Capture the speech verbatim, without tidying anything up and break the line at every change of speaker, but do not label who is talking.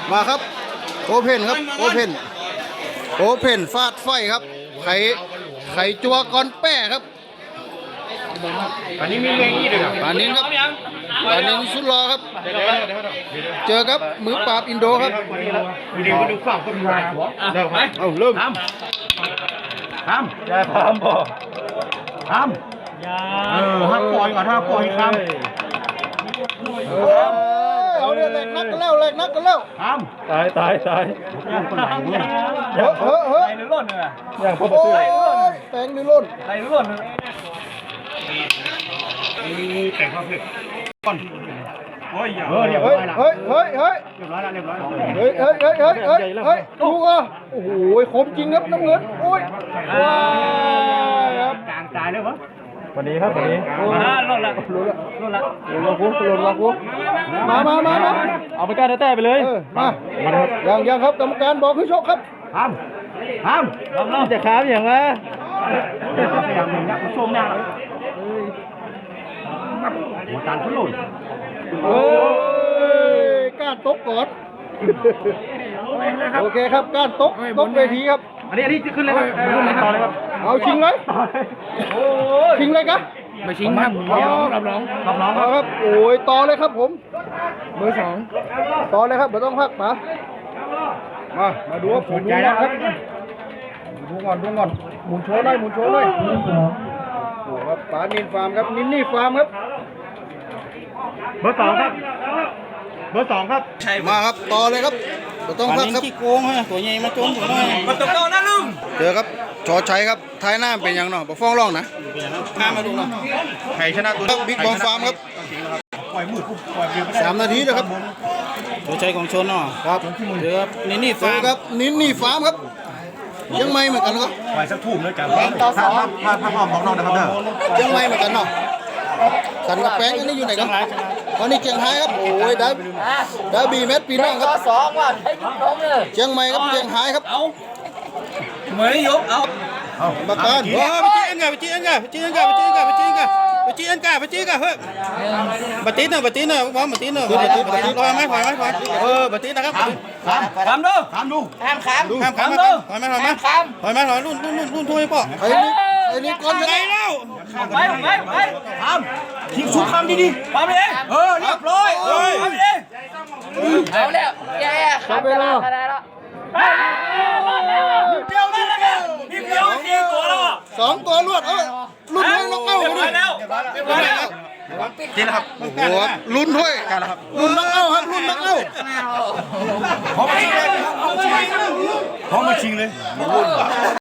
มาครับโอเพนครับโอเพนโอเพนฟาดไฟครับไข่ไข่จัวก้อนแป้ครับ
อันนี้มีเงี้ยอีกด้วยครับ
ปานินครับปานินสุดรอครับ เจอครับมือปราบอินโดครับ
วิดีโอดูฝั่งต้นไม้เดี๋ยวไป
เอาเริ่ม
ทำทำอย่าทำบ่ทำอย่าเออห้ามปล่อยก่อนห้ามปล่อยคำ
เอาเรื่องแรกนักกันแล้วแรกนักกันแล้ว
ทำตายตายตายย่างคนไหนเนี่ย
เฮ้ยเฮ้ยเฮ้ย
ไหลหรือล่นเนี่ย
ย่างพ่อ
โอ้
ซื้อไหน
ยแตงดิล่น
ไหลหรือล่น
แต่งข้าวเผ็ดก่อนโอ้ยเออเรียบร้
เฮ้
อย ยละ
เฮ้ยเฮ้ยเฮ้ย
เรียบร้อยละเรียบร้อยละ
เฮ้ยเฮ้ยเฮ้ยเฮ้ยเฮ้ยเฮ้ยดูอ่ะโอ้โหคมจริงครับน้ำเงินโอ้ยว้ายครับ
กลางตายเลยวะวันนี้ครับวันนี้
อ่าล่นละ
ลุ้นละ
ล่นละ
ลุ้นละกูลุ้นละกูมามามามา
เอาไปก้านแต้ไปเลย
เออมายังยังครับกรรมการบอกให้ชกครับ
ทำทำลองลองจะค้ามอย่างไรพยายามหนึ่งนะผู้ชมหน้าเลยหัวตาลทุลุน
เฮ้ยก้านตกก่อนโอเคครับก้านตกตกเวทีครับ
อันนี้อันนี้ขึ้นเลยครับขึ้นเลยต่อเลยครับ
เอาชิงเลยชิงเลยครับ
ไม่ชิงครับรับน้องรับน้องรับน้อง
เอาครับโอ้ยต่อเลยครับผมเบอร์สองต่อเลยครับไม่ต้องพักมามามาดูว่าผมใจแล้วครับดูก่อนดูก่อนหมุนโชว์หน่อยหมุนโชว์หน่อยโอ้ครับป๋านินฟาร์มครับนินนี่ฟาร์มครับ
เบอร์สองครับเบอร์สองครับ
มาครับต่อเลยครับไม่ต้องพักครับ
ขี้โกงฮะตัวใหญ่มาจมตัวน้อยมาตกโตนะลุง
เจอครับชอชัยครับท้ายหน้าเป็นยังเนาะบ่ฟ้องร้องนะ
ข้ามาดูเนาะ
ใครชนะตัว
ครับบิ๊กบอมฟาร์มครับ
ปล่อยมือปุ๊บปล่อยเดียวไม่ได้
สามนาทีนะครับ
ตัวใจของชนเนาะ
ครับ
เดี๋ยวนี่นี่
เจ
ฟา
อ
ร์ม
ครับนินนี่ฟาร์มครับยังไม่เหมือนกันครับ
ปล่อยสักทุ่มเลยกันถ้าถ้าถ้าถ้าพ่อของน้องนะครับเด้อ
ยังไม่เหมือนกันเนาะสันกับแป้งอันนี้อยู่ไหนครับวันนี้เชียงไฮ้ครับโอ้ยได้ได้บีเม็ดปีน้องครับ
สองว่ะให้กินนมเลย
เชียงใหม่ครับเชียงไฮ้ครับ
เอาเหมยยกเอา
มาการ
เออไปจีนกันไปจีนกันไปจีนกันไปจีนกันไปจีนกันไปจีนกันไปจีนกันเฮ้ยบัตินเนอะบัตินเนอะพร้อมบัตินเนอะบัตินบัตินลอยไหมถอยไหมถอยเออบัตินนะครับ
ทำ
ทำดู
ทำดู
ห้ามค้ำ
ข้ามข้ามถอยไหมถอยไหมถอยไหมถอยรุ่นรุ่นรุ่นรุ่นถ้วยป่ะ
ไอ้นี่ไอ้นี่ก้อนช
ไง
นะ
แล้ว
ไปไปไป
ทำทิ้งชุบคำดี
ทำไปเลย
ๆเออเรียบร้อย
เฮ้ยทำไปเลย
เอาแล้วแย่ครับจะมาขนาดแล้ว
เดียวนี่เลยนี่เดียวสี่ตัวแล้วอ่ะ
สองตัวรวดเออลุ้นด้วยน้องเอ้า
เรียบร้อย
ดิ
แล้วเรียบร้อยแล้ว
จริงนะครับ
โอ้โหลุ้นด้วยลุ้นน้องเอ้าครับลุ้นน้องเอ้า
พร้อมมาชิงเลยพร้อมมาชิงเลย